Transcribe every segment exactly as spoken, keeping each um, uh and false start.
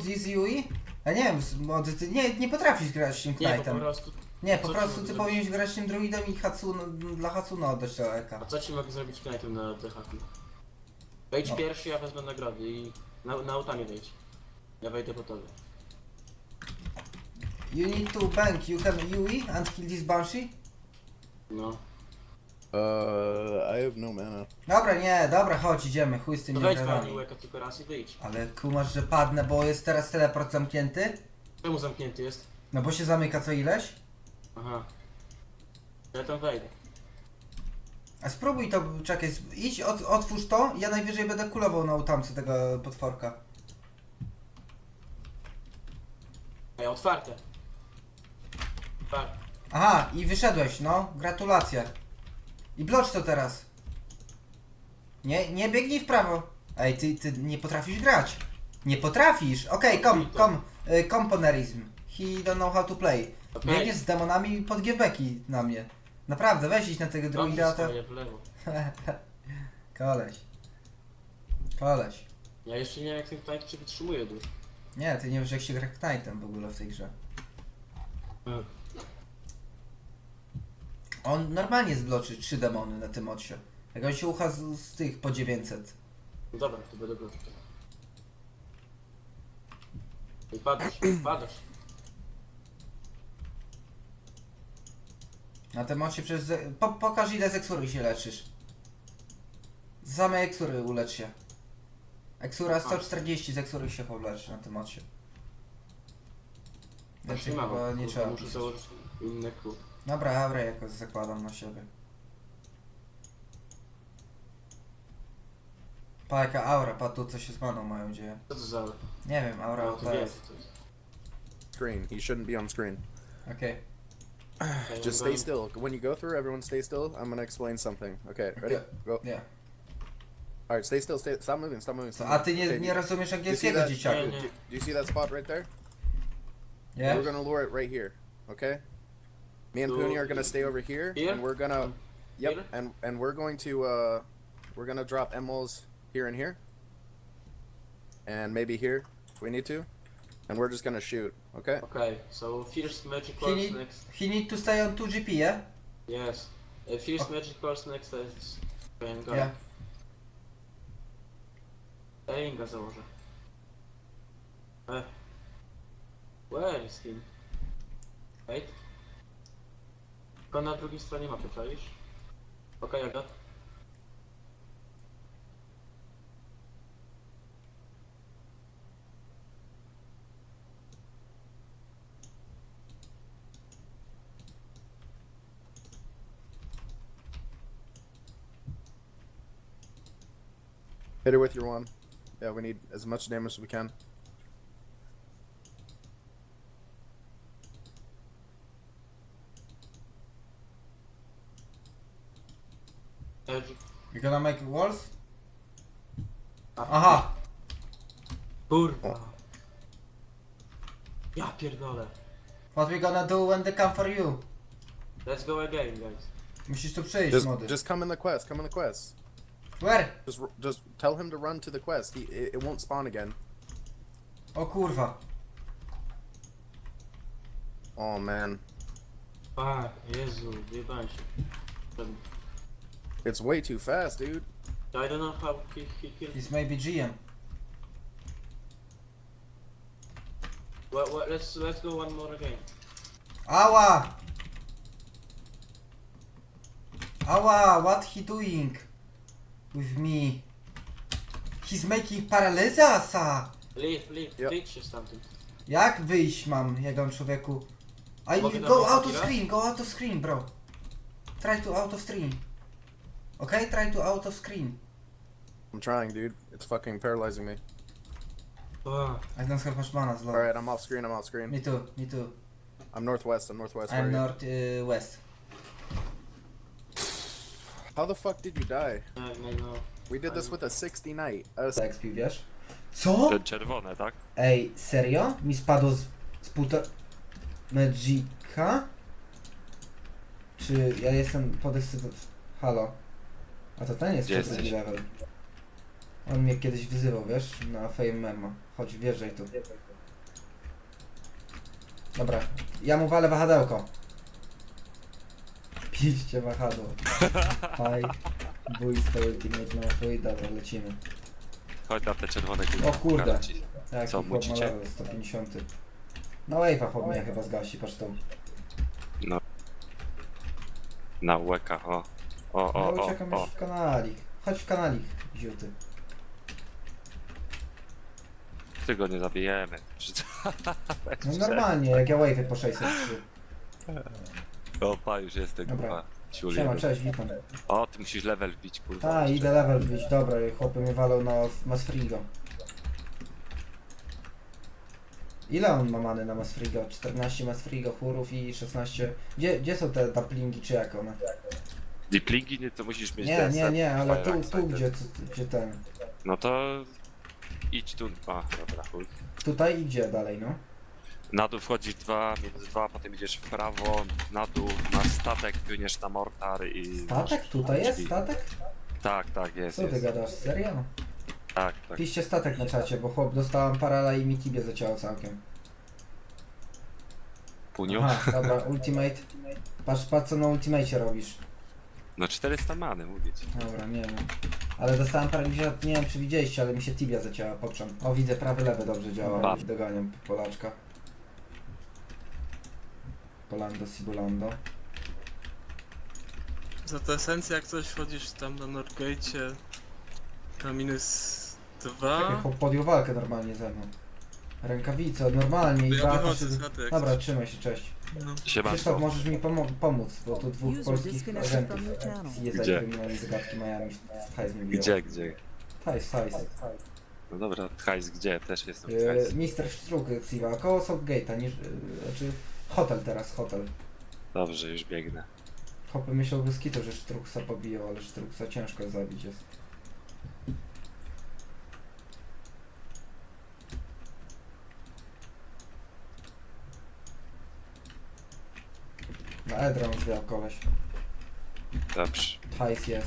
this Yui? Ja nie wiem, bo ty nie, nie potrafisz grać tym Nie, bo po Knightem. prostu... Nie, po Co prostu ci ty mogę powinieneś grać tym druidem i Hatsuno, dla Hatsuno oddać to eka. A co ci mogę zrobić knajpem na D H Q? Wejdź No. pierwszy, ja wezmę nagrody i na, na autami wejdź. Ja wejdę po tobie. You need to bank, you can Yui and kill this Banshee? No. Uh, I have no mana. Dobra, nie, dobra, chodź, idziemy, chuj z To tymi wejdź nagradami. pani łeka tylko raz i wyjdź. Ale kumasz, że padnę, bo jest teraz teleport zamknięty? Czemu zamknięty jest? No bo się zamyka co ileś? Aha. Ja tam wejdę. A spróbuj to, czekaj, sp- idź, ot, otwórz to, ja najwyżej będę kulował na utamce tego potworka. Ej, otwarte. Otwarte. Aha, i wyszedłeś, no, gratulacje. I blocz to teraz. Nie, nie biegnij w prawo. Ej, ty, ty nie potrafisz grać. Nie potrafisz. Okej, okay, kom, kom, y, komponerizm. He don't know how to play. Okej. Biegniesz z demonami pod giebeki na mnie. Naprawdę, weź iść na tego druida, Dobrze to... stoję w lewo. Koleś. Koleś. Ja jeszcze nie wiem jak ten knight się wytrzymuje długo. Nie, ty nie wiesz jak się gra Knightem w ogóle w tej grze. Hmm. On normalnie zbloczy trzy demony na tym odsie. Jak on się ucha z, z tych po dziewięćset. No dobra, to będę go. I padasz, padasz. Na tym odsie przez... Po, pokaż ile z eksury się leczysz. Z samej eksury ulecz się. Eksura sto czterdzieści z eksury się powleczy na tym odsie. Znaczy Więcej mało, chyba nie kurwa, trzeba. muszę pisać. założyć inny klub. Dobra, aurę jakoś zakładam na siebie. Pa jaka aura, pa tu co się z maną mają dzieje. Co to za... Nie wiem, aura No, to to jest. jest. to jest. Screen. He shouldn't be on screen. Okej. Okay, Just stay still. When you go through, everyone stay still. I'm gonna explain something. Okay, ready? Okay. Go. Nie. All right, stay still. Stay. Stop moving. Stop moving. Co, Stop a moving. ty nie, Okay, nie do- rozumiesz do you see angielskiego, that? dzieciaku? Nie, Do, nie. do you see that spot right there? Nie? We're gonna lure it right here. Okay. Me and So- Puni are gonna stay over here, Here? and we're gonna. Yep. Here? And and we're going to uh, we're gonna drop emeralds here and here, and maybe here if we need to, and we're just gonna shoot. Okay. Okay, so first magic He course need, next. he need to stay on two G P, yeah? Yes. Uh, first magic course next is Rengar. Yeah. Rengar założę. Eh. Where is him? Wait. Tylko na drugiej stronie mapy, czaisz? Okej, okay, Aga. Hit her with your one. Yeah, we need as much damage as we can. Edge. You gonna make walls? A, Aha! Kurwa. Ja pierdolę. What we gonna do when they come for you? Let's go again, guys. Musisz tu przyjść, Just, młody. just come in the quest. Come in the quest. Where? Just, r- just tell him to run to the quest. He, it, it won't spawn again. O kurwa. Oh man, A, Jezu, wyjebałem się. it's way too fast, dude. I don't know how he, he killed. He's maybe G M. Well, well, let's let's go one more again. Ała! Ała, what he doing? With me? He's making paralizasa! Leave, leave, Yep. wyjdź się stamtąd. Jak wyjść mam, jego człowieku? I Mogę go na out of chwilę? screen, go out of screen, bro. Try to out of screen. Okay, try to out of screen. I'm trying, dude. It's fucking paralyzing me. Ah, I don't have much mana, slow. Alright, I'm off screen. I'm off screen. Me too, me too. I'm northwest. I'm northwest. I'm Where are north uh, west. you? How the fuck did you die? nie, nie, no. We did this with a sixty knight. A s- Tak, spił, wiesz? Co? Te czerwone, tak? Ej, serio? Mi spadło z, z półtora... Magica? Czy ja jestem podekscytowany? Halo? A to ten jest Gdzie drugi jesteś? level. On mnie kiedyś wyzywał, wiesz? Na Fame Memo. Chodź, wjeżdżaj tu. Dobra, ja mu walę wahadełko. Piście wahadło. Faj. Bójstwo ultimate no chuj, dobra, lecimy. Chodź na te czerwone góry. O kurde. Pokażę ci. Jaki Co, chłop ma mucicie? level sto pięćdziesiąt. No wave'a chłop mnie chyba zgasi, patrz tu. No. Na łeka, o. O, Ja o, uciekam o, o. już w kanalik. Chodź w kanalik, ziuty. Ty go nie zabijemy. No normalnie, jak ja wave'y po sześćset trzy. Opa, już jestem, Dobra. kurwa. Ciuli. Siema, cześć, witam. O, ty musisz level wbić, kurwa. Ta, jeszcze. idę level wbić, dobra, chłopy mnie walą na Masfrigo. Ile on ma many na Masfrigo? czternaście Masfrigo, chórów i szesnaście... Gdzie, gdzie są te duplingi, czy jak one? Diplingi nie, to musisz mieć Nie, ten nie, set nie, ale Fire tu, Axe tu Sighted. gdzie, tu, gdzie ten... No to idź tu. A, dobra, chuj. Tutaj i gdzie dalej, no? Na dół wchodzisz dwa, minus dwa, potem idziesz w prawo, na dół, na statek, płyniesz na mortar i... Statek? masz Tutaj jest drzwi. statek? Tak, tak, jest, Co ty jest. gadasz, serio? Tak, tak. Piszcie statek na czacie, bo chłop dostałam parala i mi tibie zacięło całkiem. Puniu? Aha, dobra, ultimate. Patrz, patrz co na ultimate robisz. No czterysta many, mówię ci. Dobra, nie wiem. Ale dostałem paraliża, nie wiem czy widzieliście, ale mi się tibia zacięła, poprzem. O, widzę, prawy, lewy dobrze działa. Ba. Doganiam Polaczka. Polando, Sibulando. Za to esencja, jak coś wchodzisz tam na Northgate'cie na minus Czekaj, dwa. chłop podjął walkę normalnie ze mną. Rękawice, normalnie i To ja dwa... wychodzę z chaty jak Dobra, coś. trzymaj się, cześć. No. Krzysztof, Siemanko. możesz mi pomo pomóc, bo tu dwóch User polskich disconnected agentów from your channel. z jest Gdzie? kryminalnej zagadki Miami w hajs mi biło. Gdzie, gdzie? Hajs, hajs. No dobra, hajs gdzie? Też jestem w Yy, hajs. mister Struk Xiva, koło Southgate'a, niż... Yy, znaczy... Hotel teraz, hotel. Dobrze, już biegnę. Hopy myślał bez kitu, że Sztruksa pobiją, ale Sztruksa ciężko zabić jest. Na Edron zwiał koleś. Dobrze. Hajs jest.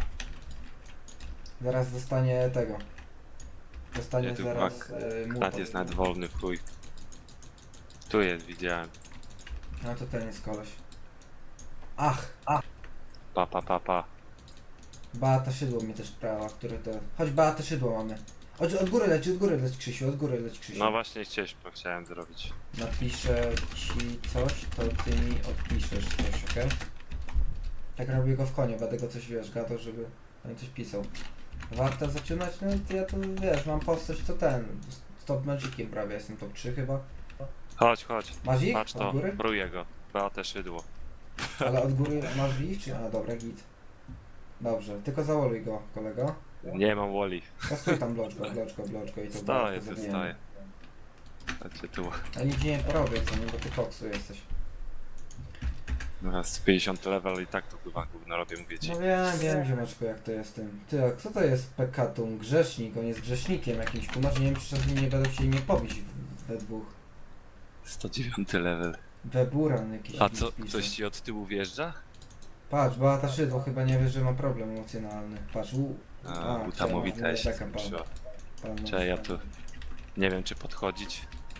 Zaraz dostanie tego. Dostanie Nie, tu zaraz bak. yy, mu Klat pod- jest nawet wolny w chuj. Tu jest, widziałem. No to ten jest koleś. Ach, ach. Pa, pa, pa, pa. Beata Szydło mnie też prawa, które to... Chodź, Beata Szydło mamy. Od, od góry leci, od góry leci Krzysiu, od góry leci Krzysiu. No właśnie chciałem, chciałem zrobić. Napiszę ci coś, to ty mi odpiszesz coś, okej? Tak robię go w konie, będę go coś, wiesz, gadał, żeby on coś pisał. Warto zaczynać? No to ja to, wiesz, mam postać to ten, z top magiciem prawie, jestem top trzy chyba. Chodź, chodź. Masz ich? Patrz Od to, góry? bruję go. Beatę szydło. Ale od góry masz ich, czy... A, dobra, git. Dobrze, tylko załoruj go, kolego. Nie mam woli. To stój tam, bloczko, bloczko, bloczko i to Staję, bloczko tu zabijemy. staję. Chodźcie tu. Ja nic nie porobię, co nie, bo ty koksu jesteś. No z pięćdziesiąt level i tak to chyba gówno robię, mówię ci. No wiem, wiem, ziomeczku, jak to jest tym. Ty, a kto to jest Pekatum? Grzesznik, on jest grzesznikiem jakimś, kumarz, nie wiem, czy czasem nie będą chcieli mnie pobić w- we dwóch. sto dziewięć level. Weburan jakiś. A mi co, pisze. coś ci od tyłu wjeżdża? Patrz, Beata Szydło chyba nie wie, że ma problem emocjonalny. Patrz, u... A, A, utamowita siema, się taka pan- skończyła. pan- Cześć, ja tu nie wiem czy podchodzić.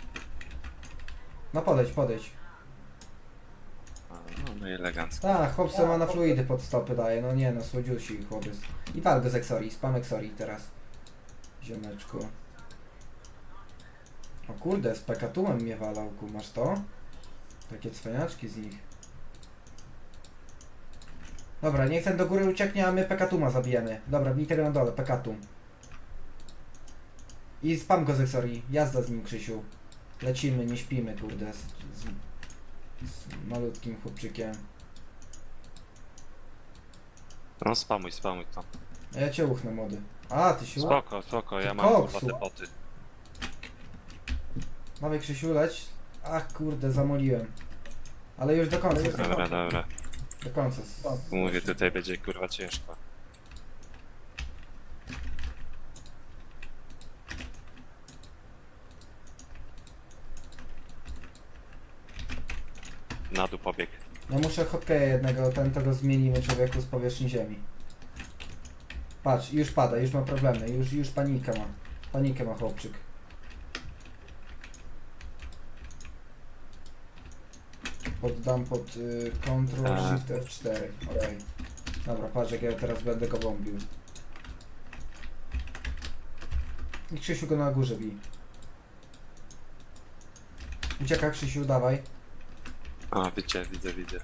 No podejdź, podejdź. A, no, no i elegancko. Tak, chłop se ma na fluidy pod stopy daje, no nie no, słodziusi chłopiec. I wal go z Exori, spam Exori teraz. Ziomeczku. O kurde, z Pekatumem mnie walał, masz to? Takie cwaniaczki z nich. Dobra, niech ten do góry ucieknie, a my Pekatuma zabijemy. Dobra, bij tego na dole, Pekatum. I spam go z Exori, jazda z nim, Krzysiu. Lecimy, nie śpimy, kurde, z, z, z malutkim chłopczykiem. No spamuj, spamuj to. A ja cię uchnę, młody. A, ty się... Spoko, spoko, ja Ty mam kurwa koksu. te boty. Dawaj, Krzysiu, leć. Ach, kurde, zamoliłem. Ale już do końca. Dobra, dobra. Do końca. Mówię, tutaj będzie kurwa ciężko. Na dół pobieg. Ja muszę hotkeja jednego, ten to go zmienimy człowieku z powierzchni ziemi. Patrz, już pada, już ma problemy, już, już panikę ma. Panikę ma chłopczyk. poddam pod y, Ctrl Tak. Shift F cztery. Okej. Dobra, patrz jak ja teraz będę go bombił. I Krzysiu go na górze bij. Ucieka Krzysiu, dawaj. A, widzę, widzę, widzę.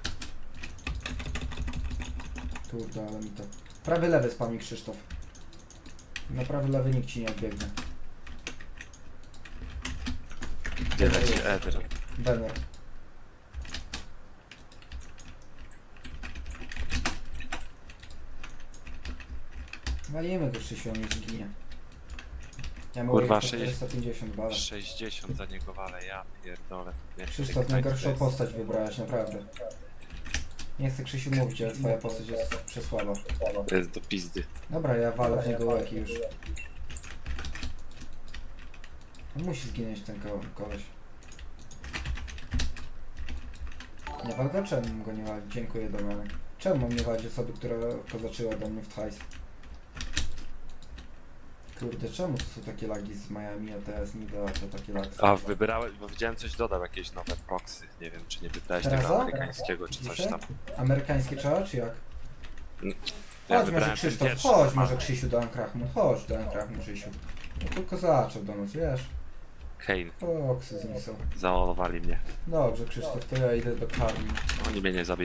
Kurde, ale mi to... Prawy lewy spami Krzysztof. Na prawy lewy nikt ci nie odbiegnie. Gdzie leci Eder? Banner. Walimy go Krzysiu, on nie zginie. Ja mam Kurwa, po sześć- czterysta pięćdziesiąt bala. sześćdziesiąt za niego wale, ja pierdolę. Nie, Krzysztof, tak najgorszą to jest. postać wybrałeś, naprawdę. Nie chcę Krzysiu mówić, ale twoja postać jest przesłaba. To jest do pizdy. Dobra, ja walę w niego łeki już. On musi zginąć ten ko koleś. Nie wal go? Czemu mam go nie walić? Dziękuję, Damianek. Czemu mam nie walić osoby, która kozaczyła do mnie w hajs? Kurde, czemu to są takie lagi z Miami, a teraz nie da to takie lagi? A wybierałeś, bo widziałem coś dodał, jakieś nowe proxy. Nie wiem, czy nie wybrałeś Teraz tego o? amerykańskiego, czy coś Dzisiaj? tam. Amerykańskie trzeba, czy jak? Ja Chodź może wybrałem ten Krzysztof, pierwszy. chodź może Krzysiu do Ankrachmu, chodź do Ankrachmu Krzysiu. No tylko zaczął do nas, wiesz? Kane, Foksy z nim są. zaolowali mnie. Dobrze Krzysztof, to ja idę do karmy. Oni mnie nie zabiją.